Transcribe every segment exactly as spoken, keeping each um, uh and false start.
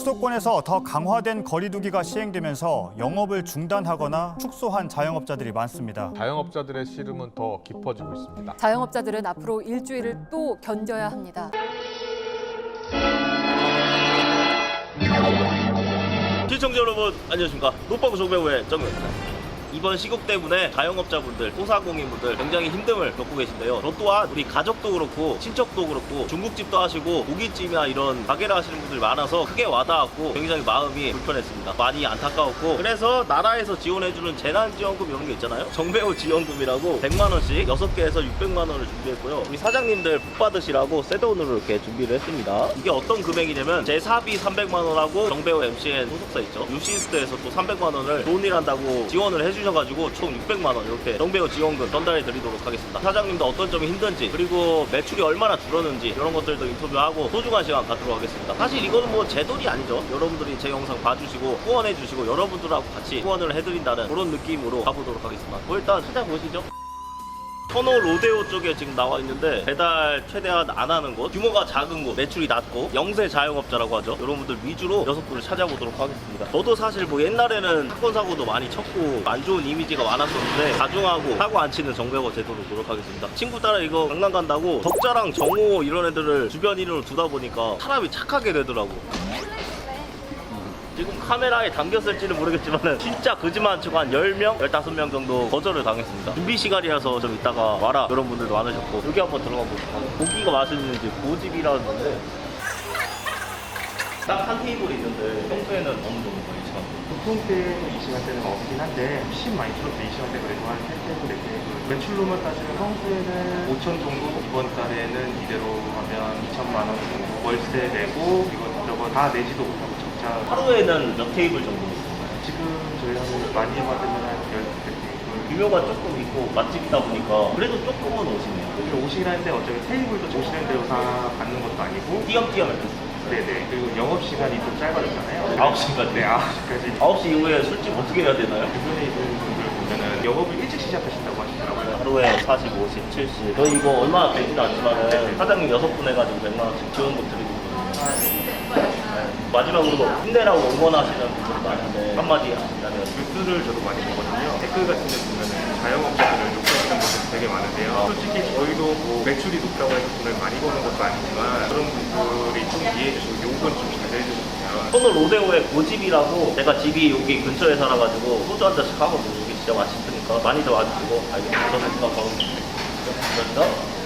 수도권에서 더 강화된 거리 두기가 시행되면서 영업을 중단하거나 축소한 자영업자들이 많습니다. 자영업자들의 시름은 더 깊어지고 있습니다. 자영업자들은 앞으로 일주일을 또 견뎌야 합니다. 시청자 여러분 안녕하십니까. 노빠구 정배우의 정배우입니다. 이번 시국 때문에 자영업자분들, 소상공인분들 굉장히 힘듦을 겪고 계신데요. 저 또한 우리 가족도 그렇고 친척도 그렇고 중국집도 하시고 고깃집이나 이런 가게를 하시는 분들 많아서 크게 와닿았고 굉장히 마음이 불편했습니다. 많이 안타까웠고, 그래서 나라에서 지원해주는 재난지원금 이런 게 있잖아요. 정배우 지원금이라고 백만 원씩 여섯 개에서 육백만 원을 준비했고요. 우리 사장님들 복 받으시라고 새 돈으로 이렇게 준비를 했습니다. 이게 어떤 금액이냐면 제 사비 삼백만 원하고 정배우 엠씨엔 소속사 있죠. 유시스트에서 또 삼백만 원을 좋은 일 한다고 지원을 해주셔 가지고 총 육백만 원 이렇게 정배우 지원금 전달해 드리도록 하겠습니다. 사장님도 어떤 점이 힘든지, 그리고 매출이 얼마나 줄었는지 이런 것들도 인터뷰하고 소중한 시간 갖도록 하겠습니다. 사실 이거는 뭐 제 돈이 아니죠. 여러분들이 제 영상 봐주시고 후원해 주시고 여러분들하고 같이 후원을 해드린다는 그런 느낌으로 가보도록 하겠습니다. 뭐 일단 찾아보시죠. 터너 로데오 쪽에 지금 나와 있는데 배달 최대한 안 하는 곳, 규모가 작은 곳, 매출이 낮고 영세 자영업자라고 하죠. 여러분들 위주로 여섯 분을 찾아보도록 하겠습니다. 저도 사실 뭐 옛날에는 사건 사고도 많이 쳤고 안 좋은 이미지가 많았었는데 가중하고 사고 안 치는 정배우 제도로 노력하겠습니다. 친구 따라 이거 강남 간다고 적자랑 정호 이런 애들을 주변 인으로 두다 보니까 사람이 착하게 되더라고. 지금 카메라에 담겼을지는 모르겠지만 진짜 거짓말 치고 한 열 명, 열다섯 명 정도 거절을 당했습니다. 준비 시간이라서 좀 이따가 와라 이런 분들도 많으셨고, 여기 한번 들어가 보시죠. 고기가 맛있는지 고집이라는데 딱 한 테이블이 있는데 평소에는 어느 정도 있죠? 보통 때는 이 시간대는 없긴 한데 훨씬 많이 줄었어요. 이 시간대 그래도 한 세 테이블, 네 테이블. 매출로만 따지면 평소에는 오천 정도, 이번 달에는 이대로 하면 이천만 원 정도 월세 내고 이것저것 다 내지도 못하고 적자. 하루에는 몇 테이블 정도 있어요? 지금 저희 한 많이 받으면 한 열두 테이블. 규모가 조금 있고 맛집이다 보니까 그래도 조금은 오시네요. 여기 오시긴 하는데 어차피 테이블도 오시는 대로 다 받는 것도 아니고 띄엄띄엄 이렇게. 네네. 그리고 영업시간이 좀 짧아졌잖아요. 아홉 시까지? 네, 아홉 시까지. 아홉 시 이후에 술집 어떻게 해야 되나요? 주변에 있는 분들 보면은 영업을 일찍 시작하신다고 하시더라고요. 하루에 사십, 오십, 칠십. 저희 이거 얼마 되진 않지만 사장님 여섯 분 해가지고 백만 원씩 지원금 드리고 있거든요. 네. 마지막으로 힘내라고 응원하시는 분들 많은데 한마디 하신다면? 뉴스를 저도 많이 보거든요. 댓글 같은 데 보면은 자영업자들을 욕하시는 분들 되게 많은데요. 솔직히 저희도 뭐 매출이 높다고 해서 돈을 많이 버는 것도 아니지만 그런 분들이 좀 이해해 주시고 욕은 좀 자제해 주시면. 터너 로데오의 고집이라고, 제가 집이 여기 근처에 살아가지고 소주 한 잔씩 하거든요. 여기 진짜 맛있으니까 많이들 와주시고. 알겠습니다. 저는 일단 가보겠습니다. 감사합니다.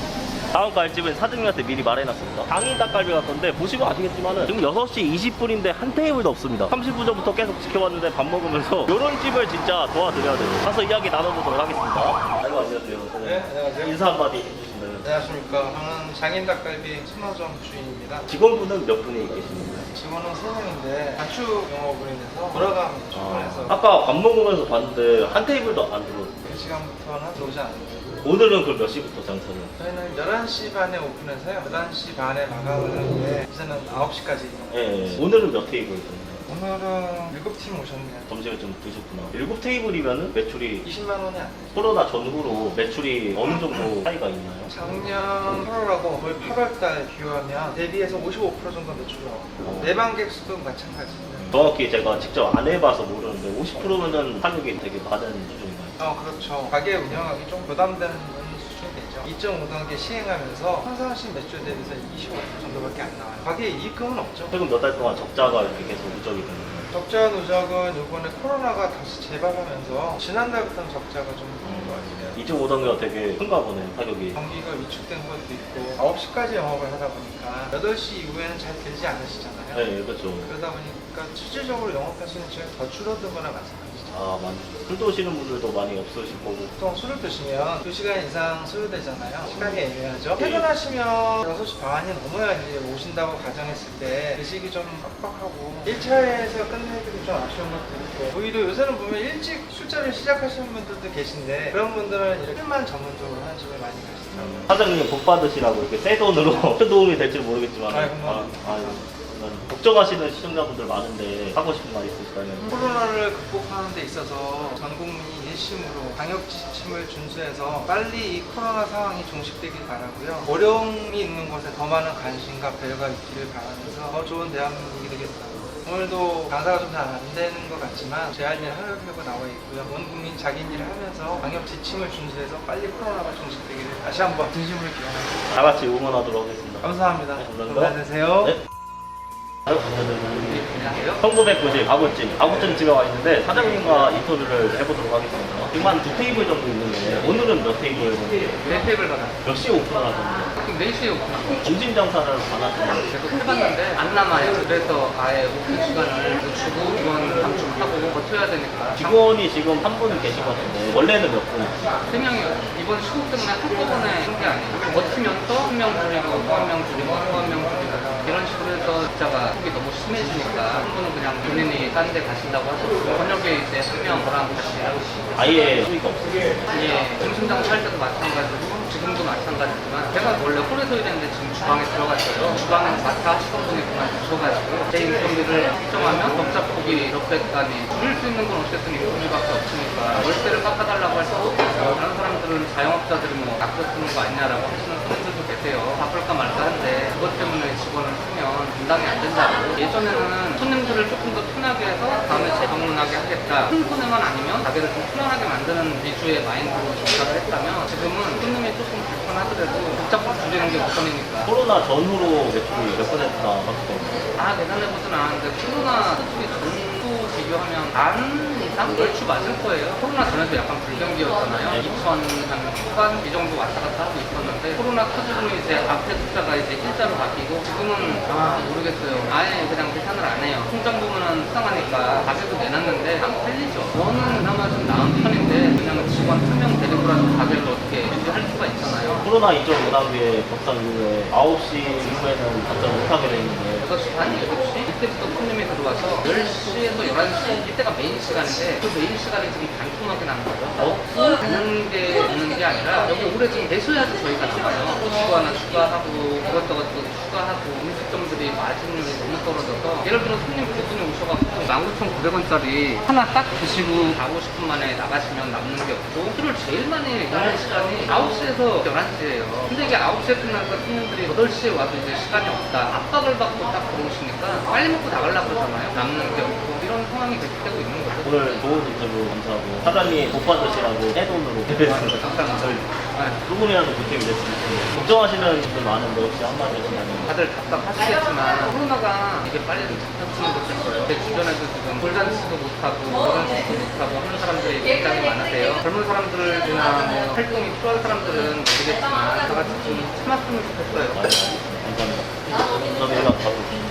다음 갈집은 사장님한테 미리 말해놨습니다. 당일 닭갈비 갈 건데 보시면 아시겠지만 지금 여섯 시 이십 분인데 한 테이블도 없습니다. 삼십 분 전부터 계속 지켜봤는데 밥 먹으면서 이런 집을 진짜 도와드려야 돼요. 가서 이야기 나눠보도록 하겠습니다. 아이고 안녕하세요. 네, 안녕하세요. 인사 한마디 해주시면. 안녕하십니까. 저는 장인닭갈비 순화점 주인입니다. 직원분은 몇 분이 계십니까? 직원은 세 명인데 단축 영업으로 인해서 돌아가면 출근해서 아까 밥 먹으면서 봤는데 한 테이블도 안 들어오세요. 그 시간부터는 들어오지 않아요. 오늘은 그럼 몇 시부터 장사를? 저희는 열한 시 반에 오픈해서요. 열한 시 반에 마감을 하는데 이제는 아홉 시까지. 예, 오늘은 몇 테이블 정도? 오늘은 일곱 팀 오셨네요. 점심에 좀 드셨구나. 일곱 테이블이면 매출이 이십만 원이 안 돼요. 코로나 전후로 매출이 어느 정도 차이가 있나요? 작년 팔월하고 거의 팔월 달 비교하면 대비해서 오십오 퍼센트 정도 매출이 나왔고 내방객 수도 마찬가지입니다. 정확히 제가 직접 안 해봐서 모르는데 오십 퍼센트면은 타격이 되게 많은 수준인가요? 어, 그렇죠. 가게 운영하기 좀 부담되는 수준이 되죠. 이 점 오 단계 시행하면서 평상시 매출 대비해서 이십오 퍼센트 정도밖에 안 나와요. 가게에 이익금은 없죠. 최근 몇 달 동안 적자가 이렇게 계속 누적이 되는 거예요. 적자 누적은 이번에 코로나가 다시 재발하면서 지난달부터는 적자가 좀 있는 것 같아요. 이 점 오 단계가 되게 큰가 보네, 타격이. 경기가 위축된 것도 있고 아홉 시까지 영업을 하다 보니까 여덟 시 이후에는 잘 되지 않으시잖아요. 네, 그렇죠. 그러다 보니까 실질적으로 영업할 수 있는 시간이 더 줄어든 거나 마찬가지죠. 아, 많이. 술 드시는 분들도 많이 없으실 거고. 보통 술을 드시면 두 시간 이상 소요되잖아요. 시간이 애매하죠. 퇴근하시면 여섯 시 반이 넘어야 이제 오신다고 가정했을 때 드시기 좀 빡빡하고 일 차에서 끝내기도 좀 아쉬운 것도 있고, 오히려 요새는 보면 일찍 술자리를 시작하시는 분들도 계신데 그런 분들은 이렇게 술만 전문적으로 하는 집에 많이 가시더라고요. 사장님 복 받으시라고 이렇게 새 돈으로 큰 도움이 될지 모르겠지만. 아이, 고마워요. 아, 아유, 걱정하시는 시청자분들 많은데 하고 싶은 말 있으실까요? 코로나를 극복하는 데 있어서 전 국민이 일심으로 방역 지침을 준수해서 빨리 이 코로나 상황이 종식되길 바라고요. 어려움이 있는 곳에 더 많은 관심과 배려가 있기를 바라면서 더 좋은 대한민국이 되겠다. 오늘도 장사가 좀 잘 안 되는 것 같지만 제 할 일 하려고 나와 있고요. 온 국민 자기 일을 하면서 방역 지침을 준수해서 빨리 코로나가 종식되기를 다시 한번 진심으로 기원합니다. 다 같이 응원하도록 하겠습니다. 감사합니다. 네, 감사합니다. 건강하세요. 네. 천구백구십 아구찜 아구찜 집에 와 있는데 사장님과 인터뷰를 해보도록 하겠습니다. 지금 한 두 테이블 정도 있는데 오늘은 몇 테이블? 네 테이블 받아. 몇 시에 오픈하셨나요? 지금 네 시에 오픈하고 점심 장사를 안 하시나요? 계속 해봤는데 안 남아요. 그래서 아예 오픈 시간을 늦추고 직원 감축하고 버텨야 되니까 직원이 지금 한 분 계신 것 같은데 원래는 몇 분? 세 명이요. 이번 시국 때문에 한꺼번에 한 게 아니에요. 버티면서 한 명 줄이고 또 한 명 줄이고 또 한 명 줄이고 이런 식으로 해서 숫자가 속이 너무 심해지니까 한 분은 그냥 본인이 딴 데 가신다고 하셨고 저녁에 이제 한 명 저랑 같이 일하고 있습니다. 아예 수익 없어요. 예, 점심 장사할 때도 마찬가지고 지금도 마찬가지지만 제가 원래 홀에서 일했는데 지금 주방에 들어갔어요. 주방에 마타 하시던 분이 그만두셔가지고 제 인건비를 측정하면 적자폭이 몇백 단위 줄일 수 있는 건 어쨌든 인건비밖에 없으니까 월세를 깎아달라고 할 수도 없고 다른 사람들은 자영업자들이 뭐 아껴 쓰는 거 아니냐라고 하시는 분들도 계세요. 바쁠까 말까 한데 그것 때문에 직원을 쓰면 분담이 안 된다고. 예전에는 손님들을 조금 더 편하게 해서 다음에 재방문하게 하겠다. 큰 손해만 아니면 가게를 좀 편안하게 만드는 위주의 마인드로 접근을 했다면 지금은 손님이 조금 불편하더라도 복잡한 줄이는 게 우선이니까. 코로나 전후로 매출이 몇 퍼센트나 바뀌었어요? 다 계산해보진 않았는데 코로나 솔직히 전후 비교하면 반 이상? 얼추 맞을 거예요. 코로나 전에도 약간 불경기였잖아요. 이천 후반 이 정도 왔다 갔다 하고 있었는데 코로나 터지고 이제 앞에 숫자가 이제 일자로 바뀌고 지금은 아 모르겠어요. 아예 그냥 계산을 안 해요. 통장 보면은 수상하니까 가게도 내놨는데 안 팔리죠. 저는 그나마 좀 나은 편인데 그냥 직원 한 명 데리고라도 가게를 어떻게 유지할 수가 있잖아요. 코로나 이 점 오 단계 격상 이후에 아홉 시 이후에는 답장 못하게 돼 있는데 여섯 시 반, 일곱 시 이때부터 손님이 들어와서 열 시에서 열한 시 이때가 메인 시간인데 그 메인 시간이 지금 반토막이 나는 거죠. 없고 가는 게 없는 게 아니라 여기 오래 좀 계셔야지 저희가 나가요. 고추 하나 추가하고 이것저것 또 추가하고 음식점들이 마진율이 너무 떨어져서 예를 들어 손님 두 분이 오셔갖고 만 구천 구백 원짜리 하나 딱 드시고 사, 오십 분 만에 나가시면 남는 게 없고 술을 제일 많이 먹는 시간이 아홉 시에서 열한 시예요. 근데 이게 아홉 시에 끝나니까 손님들이 여덟 시에 와도 이제 시간이 없다. 압박을 받고 딱 들어오시니까 빨리 먹고 나가려고 그러잖아요. 남는 게 없고 이런 상황이 계속되고 있는 거죠. 오늘 좋은 인터뷰 감사하고 사장님 못 받으시라고 새 돈으로 감사합니다. 네. 조금이라도 보탬이 됐으면 좋겠네요. 걱정하시는 분들 많은데 혹시 한마디 하시면 다들 답답하시겠지만 코로나가 이게 빨리 좀 잡혔으면 좋겠어요. 제 주변에도 지금 돌잔치도 못하고 결혼식도 못하고 하는 사람들이 굉장히 많으세요. 젊은 사람들이나 뭐 활동이 필요한 사람들은 모르겠지만 다 같이 좀 참았으면 좋겠어요. 감사합니다. 저는 일단 가고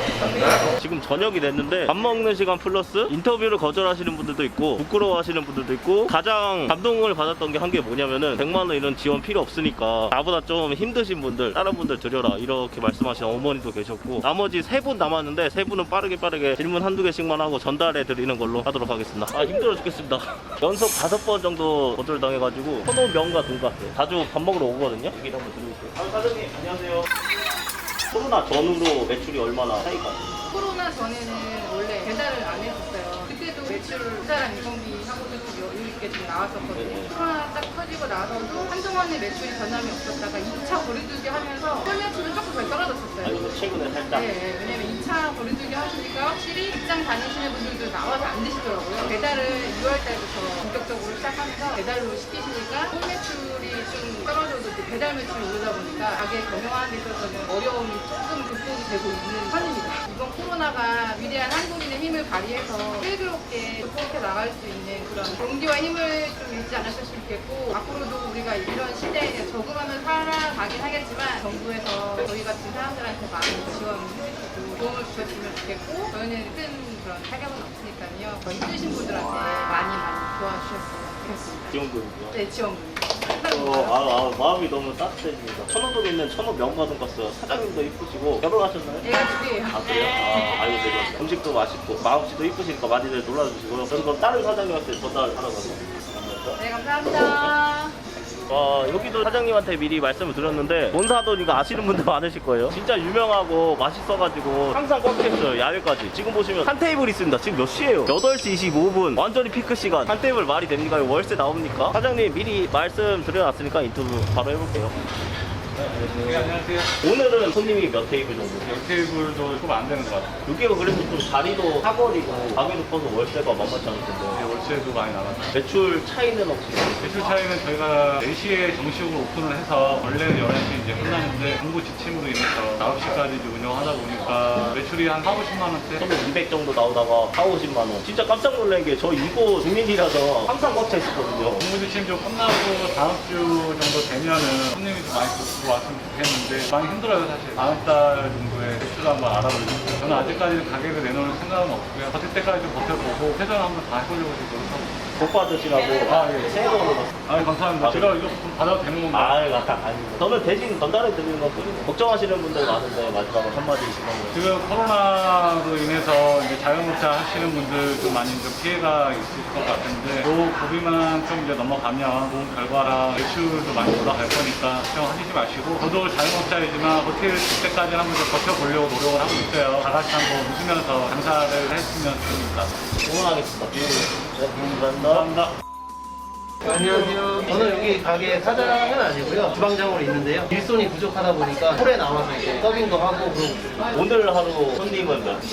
지금 저녁이 됐는데 밥 먹는 시간 플러스 인터뷰를 거절하시는 분들도 있고 부끄러워하시는 분들도 있고 가장 감동을 받았던 게 한 게 뭐냐면은 백만 원 이런 지원 필요 없으니까 나보다 좀 힘드신 분들 다른 분들 드려라 이렇게 말씀하시는 어머니도 계셨고 나머지 세 분 남았는데 세 분은 빠르게 빠르게 질문 한두 개씩만 하고 전달해 드리는 걸로 하도록 하겠습니다. 아 힘들어 죽겠습니다. 연속 다섯 번 정도 거절당해가지고 선호 명과 돈가스 자주 밥 먹으러 오거든요. 얘기를 한번 드려볼게요. 아, 사장님 안녕하세요. 코로나 전후로 매출이 얼마나 차이가 나요? 코로나 전에는 원래 배달을 안 했었어요. 그때도 매출 모자란 인건비하고도 좀 여유 있게 좀 나왔었거든요. 코로나 딱 터지고 나서도 한동안에 매출이 전환이 없었다가 이 차 거리두기 하면서 설 매출은 조금 더 떨어졌었어요. 아니 최근에 살짝 네, 네, 왜냐면 이 차 거리두기 하시니까 확실히 직장 다니시는 분들도 나와서 안 드시더라고요. 배달을 유월 달부터 본격적으로 시작하면서 배달로 시키시니까 설 매출이 좀 떨어져도 이제 배달 매출이 오르다 보니까 가게 경영하는 데 있어서는 어려움이 조금 극복이 되고 있는 편입니다. 이번 코로나가 위대한 한국인의 힘을 발휘해서 슬기롭게 극복해 나갈 수 있는 그런 용기와 힘을 좀 잃지 않았으면 좋겠고 앞으로도 우리가 이런 시대에 적응하며 살아가긴 하겠지만 정부에서 저희 같은 사람들한테 많이 지원해주시고 도움을 주셨으면 좋겠고 저희는 큰 그런 타격은 없으니까요. 더 힘드신 분들한테 많이 많이 도와주셨으면 좋겠습니다. 지원금이요? 네, 지원금. 어, 아, 아, 마음이 너무 따뜻해집니다. 천호동에 있는 천호 명가돈가스 사장님도 이쁘시고 결혼하셨나요? 얘가 두 개예요. 아 그래요? 아, 아유 네. 음식도 맛있고 마음씨도 이쁘시니까 많이들 놀라주시고요. 저는 그럼 다른 사장님한테 전달하러 가서 네, 감사합니다. 와 여기도 사장님한테 미리 말씀을 드렸는데 본사돈이가 아시는 분들 많으실 거예요. 진짜 유명하고 맛있어가지고 항상 꽉 찼어요. 야외까지. 지금 보시면 한 테이블 있습니다. 지금 몇 시예요? 여덟 시 이십오 분. 완전히 피크 시간. 한 테이블 말이 됩니까? 이거 월세 나옵니까? 사장님 미리 말씀 드려놨으니까 인터뷰 바로 해볼게요. 네, 안녕하세요. 오늘은 손님이 몇 테이블 정도? 역 테이블도 조금 안 되는 것 같아요. 여기가 그래도 좀 자리도 사거리고 가게도 커서 월세가 만만치 않을 텐데 이제 월세도 많이 나갔어요. 매출 차이는 혹시? 매출 차이는 저희가 네 시에 정식으로 오픈을 해서 원래는 열한 시 이제 끝나는데 공부 지침으로 인해서 아홉 시까지 이제 운영하다 보니까 매출이 한 사오십만 원대? 처음에 이백 정도 나오다가 사오십만 원. 진짜 깜짝 놀란 게 저 이곳 주민이라서 항상 꽉 차 있었거든요. 공부 지침 좀 끝나고 다음 주 정도 되면은 손님이 좀 많이 들어왔으면 좋겠는데 많이 힘들어요 사실. 다음 달 정도에 매출 한번 알아보려고. 저는 아직까지는 가격을 내놓을 생각은 없고요. 버틸 때까지 좀 버텨보고 최선을 한번 다 해보려고 지금 노력하고. 복 받으시라고 아, 예. 새해 복 받으세요. 아, 감사합니다. 아, 제가 이거 좀 받아도 되는 건가요? 아, 아닙니다. 저는 대신 전달해 드리는 것 뿐이고 걱정하시는 분들 많은데 마지막으로 한마디 있으면 지금 코로나로 인해서 이제 자영업자 하시는 분들 좀 많이 좀 피해가 있을 것 같은데 요 고비만 좀 이제 넘어가면 좋은 결과랑 매출도 많이 올라갈 거니까 걱정하시지 마시고 저도 자영업자이지만 버틸 때까지 한번 좀 버텨보려고 노력을 하고 있어요. 다 같이 한번 웃으면서 장사를 했으면 좋겠습니다. 응원하겠습니다. 네, 감사합니다. 감사합니다. 안녕하세요. 저는 여기 가게 사장은 아니고요. 주방장으로 있는데요. 일손이 부족하다 보니까 홀에 나와서 이제 서빙도 하고 그러고 있어요. 오늘 하루 손님은 몇?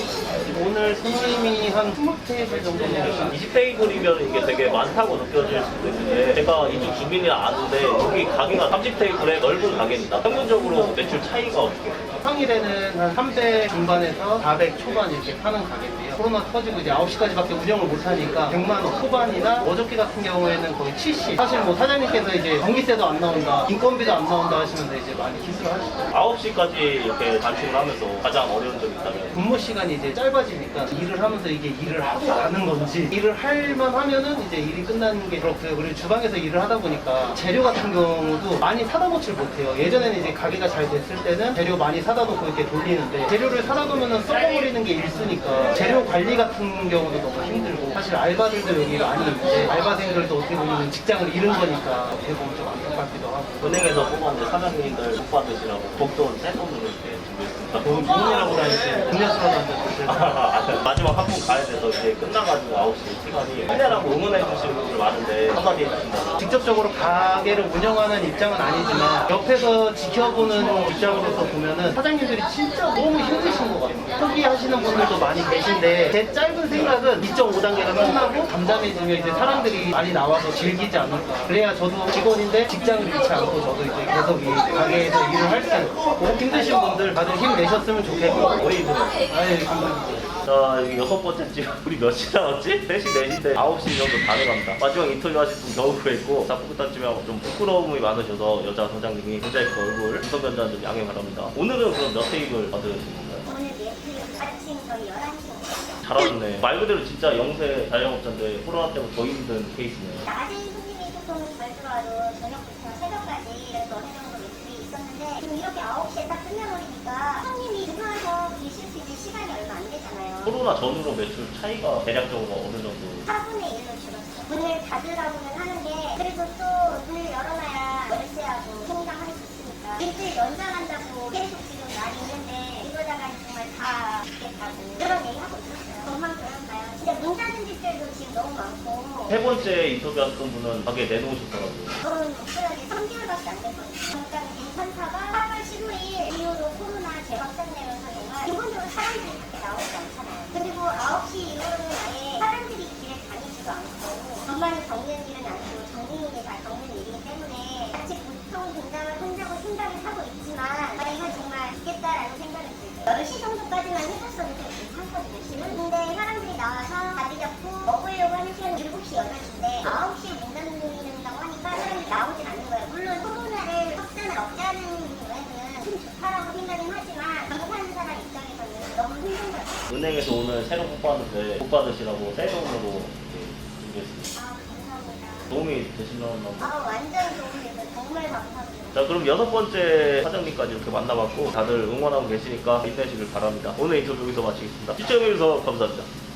오늘 손님이 한 이십 테이블 정도 되요 이십 테이블이면 이게 되게 많다고 느껴질 수도 있는데 제가 이쪽 주민이 아는데 여기 가게가 삼십 테이블의 넓은 가게입니다. 평균적으로 매출 차이가 어떻게 돼요? 평일에는 한 삼백 중반에서 사백 초반 이렇게 파는 가게인데요. 코로나 터지고 이제 아홉 시까지밖에 운영을 못하니까 백만 원 초반이나 어저께 같은 경우에는 거의 칠십. 사실 뭐 사장님께서 이제 전기세도 안 나온다, 인건비도 안 나온다 하시는데 이제 많이 기술을 하시죠. 아홉 시까지 이렇게 단축을 하면서 가장 어려운 점이 있다면? 근무 시간이 이제 짧아지니까 일을 하면서 이게 일을 하고 가는 건지 일을 할만 하면은 이제 일이 끝나는 게 그렇고요. 그리고 주방에서 일을 하다 보니까 재료 같은 경우도 많이 사다 놓질 못해요. 예전에는 이제 가게가 잘 됐을 때는 재료 많이 사다 놓고 이렇게 돌리는데 재료를 사다 놓으면 썩어버리는 게 일수니까 재료 관리 같은 경우도 너무 힘들고 사실 알바들도 여기 많이 있는데 알바생들도 어떻게 보면 직장을 잃은 거니까 어떻게 보면 좀 안타깝기도 하고 은행에서 뽑았는데 사장님들 복 받으시라고 복돈 새 돈으로 이렇게 준비했습니다. 너무 돈이라고 다니지 음료수라도 한잔 드세요. 마지막 한 분 가야 돼서 이제 끝나가지고 아홉 시 시간이 힘내라고 응원해 주시는 분들 많은데 한마디 해주신다면? 직접적으로 가게를 운영하는 입장은 아니지만 옆에서 지켜보는 입장으로서 보면은 사장님들이 진짜 너무 힘드신 것 같아요. 포기하시는 분들도 많이 계신데 제 짧은 생각은 이 점 오 단계가 끝나고 잠잠해지면 이제 사람들이 많이 나와서 즐기지 않을까. 그래야 저도 직원인데 직장을 잃지 않고 저도 이제 계속 이 가게에서 일을 할 수 있고 힘드신 분들 다들 힘내셨으면 좋겠고 우리 이분은? 아유 감사합니다. 자, 여기 여섯 번째 집. 우리 몇 시 나왔지? 세 시, 네 시인데 아홉 시 정도 다 돼갑니다. 마지막 인터뷰 하실 분 겨우 구했고, 닭볶음탕집하고 좀 부끄러움이 많으셔서 여자 사장님이 모자이크 얼굴 우선 변조한 점 양해 바랍니다. 오늘은 그럼 몇 테이블 받으신 건가요? 오늘 매트 아침 저희 열한 시 잘하셨네. 말 그대로 진짜 영세 자영업자인데 코로나 때문에 더 힘든 케이스네요. 낮에 손님이 조금 덜 들어와도 저녁부터 새벽까지 그래도 어느 정도 매출이 있었는데 지금 이렇게 아홉 시에 딱 끝나버리니까 손님이 들어와서 계실 수 있는 시간이 얼마 안 되잖아요. 코로나 전후로 매출 차이가 대략적으로 어느 정도? 사분의 일로 줄었어요. 문을 닫으라고는 하는데 그래도 또 문을 열어놔야 월세하고 통장할 수 있으니까 일주일 연장한다고 계속 지금 말이 있는데 이거다가 정말 다 죽겠다고 그런 얘기 하고 있었어요. 정말 그런가요? 진짜 문 닫은 집들도 지금 너무 많고 세 번째 인터뷰했던 분은 가게 내놓으셨더라고요. 저는 목표하게 삼 개월밖에 안 됐거든요. 잠깐 괜찮다가 팔월 십오일 이후로 코로나 재확산되면서 정말 기본적으로 사람들이 밖에 나오지 않잖아요. 그리고 아홉 시 이후로는 아예 사람들이 길에 다니지도 않고 정말 겪는 일은 아니고 정민이가 다 겪는 일이기 때문에 같이 보통 공장을 한다고 생각을 하고 있지만 저희가 정말 죽겠다라는 생각을 들고 열 시 정도까지만 해줬어도 되게 괜찮거든요. 지금 근데 사람들이 나와서 자리 잡고 먹으려고 하는 시간이 일곱 시, 여덟 시인데 아홉 시에 문 닫는다고 하니까 사람들이 나오진 않는 거예요. 물론 코로나를 확산을 억제하는 거에는 좀 좋다라고 생각은 하지만 장사하는 사람 입장에서는 너무 힘든 거예요. 은행에서 오늘 새로 복 받는데 복 받으시라고 새 돈으로 이렇게 준비했습니다. 아 감사합니다. 도움이 되시면 아 완전 도움이 돼서 정말 감사합니다. 자, 그럼 여섯 번째 사장님까지 이렇게 만나봤고 다들 응원하고 계시니까 힘내시길 바랍니다. 오늘 인터뷰 여기서 마치겠습니다. 시청해주셔서 감사합니다.